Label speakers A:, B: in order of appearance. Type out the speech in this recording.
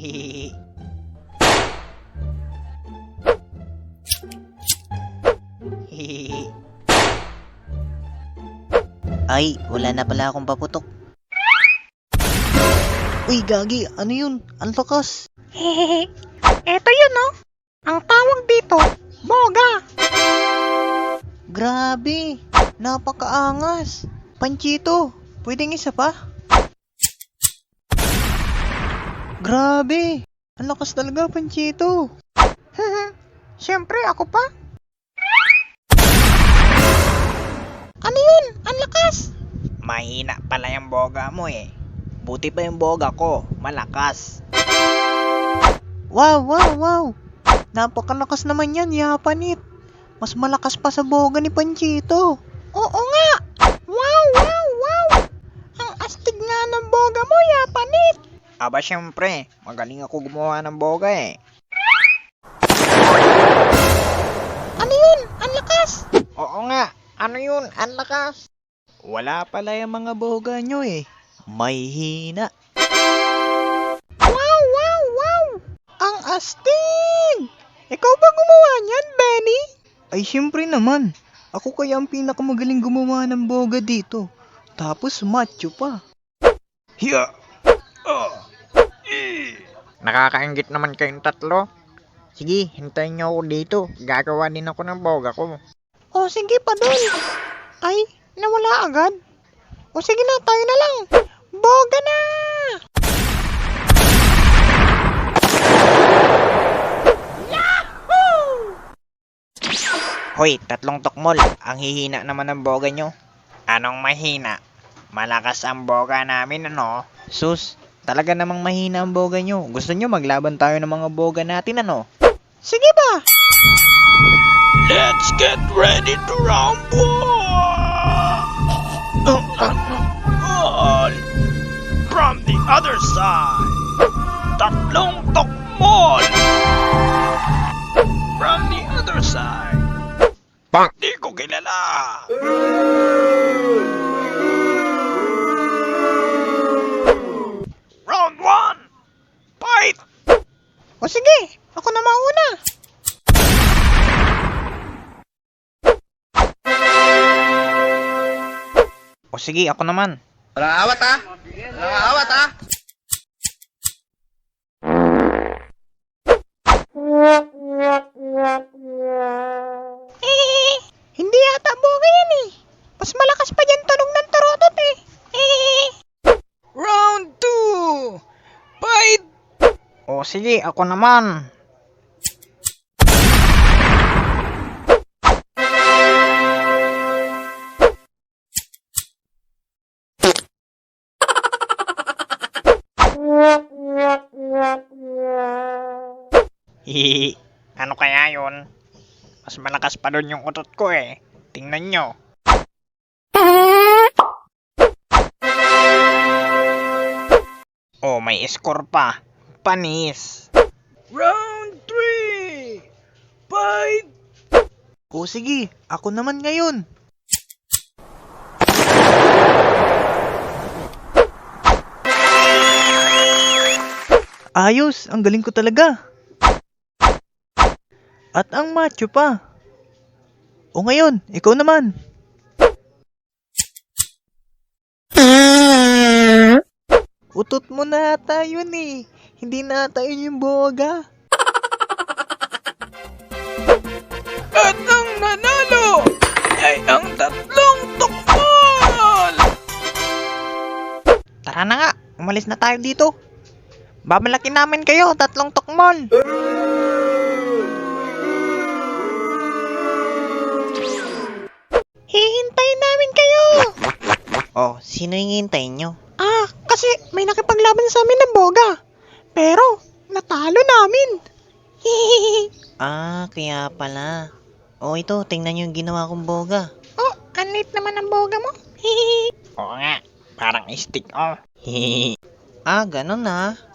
A: Ay, wala na pala akong paputok. Uy, gagi, ano yun? Ang lakas.
B: Hehehe. Eto yun, no? Ang tawag dito, boga.
A: Grabe, napakaangas. Panchito, pwedeng isa pa? Grabe, ang lakas talaga, Panchito.
B: Siyempre, ako pa. Ano yun? Ang lakas.
C: Mahina pala yung boga mo eh. Buti pa yung boga ko, malakas.
A: Wow, wow, wow. Napakalakas naman yan, Yapanit. Mas malakas pa sa boga ni Panchito.
B: Oo nga. Wow, wow, wow. Ang astig nga ng boga mo, Yapanit.
C: Aba syempre, magaling ako gumawa ng boga eh.
B: Ano yun? Ang lakas.
C: Oo nga, ano yun, ang lakas.
A: Wala pala yung mga boga nyo eh. May hina.
B: Wow, wow, wow. Ang astig. Ikaw ba gumawa niyan, Benny?
A: Ay syempre naman. Ako kaya ang pinakamagaling gumawa ng boga dito. Tapos macho pa.
C: Hiya! Nakakaingit naman kayong tatlo. Sige, hintayin niyo ako dito. Gagawa din ako ng boga ko.
B: O sige pa dun. Ay, nawala agad. O sige na, tayo na lang. Boga na!
C: Hoy, tatlong tokmol. Ang hihina naman ng boga nyo. Anong mahina? Malakas ang boga namin, ano?
A: Sus, talaga namang mahina ang boga nyo. Gusto nyo maglaban tayo ng mga boga natin, ano?
B: Sige ba?
C: Let's get ready to rumble! From the other side, tatlong tokmol! From the other side, di ko kilala! Round 1, fight!
B: O sige, ako na mauna.
C: O sige, ako naman.
D: Walang awat ha? Walang awat ha?
B: Hindi yata boga yan eh. Mas malakas pa dyan tunog ng tarotot eh.
C: Round 2, fight! O sige, ako naman. Hihi, ano kaya yun? Mas malakas pa doon yung utot ko eh. Tingnan nyo. Oh, may score pa. Panis. Round 3, fight!
A: O sige, ako naman ngayon. Ayos, ang galing ko talaga. At ang macho pa. O ngayon, ikaw naman. Utot mo na ata yun eh. Hindi na ata yun yung boga.
C: At ang nanalo ay ang tatlong tokmol! Tara na nga, umalis na tayo dito. Babalakin namin kayo, tatlong tokmol.
B: Hihintayin namin kayo.
A: Oh, sino yung hintayin nyo?
B: Kasi may nakipaglaban sa amin ng boga. Pero, natalo namin.
A: Ah, kaya pala. Oh, ito, tingnan nyo yung ginawa kong boga.
B: Oh, ang liit naman ang boga mo.
C: Oo nga, parang stick oh.
A: Ah, ganun na.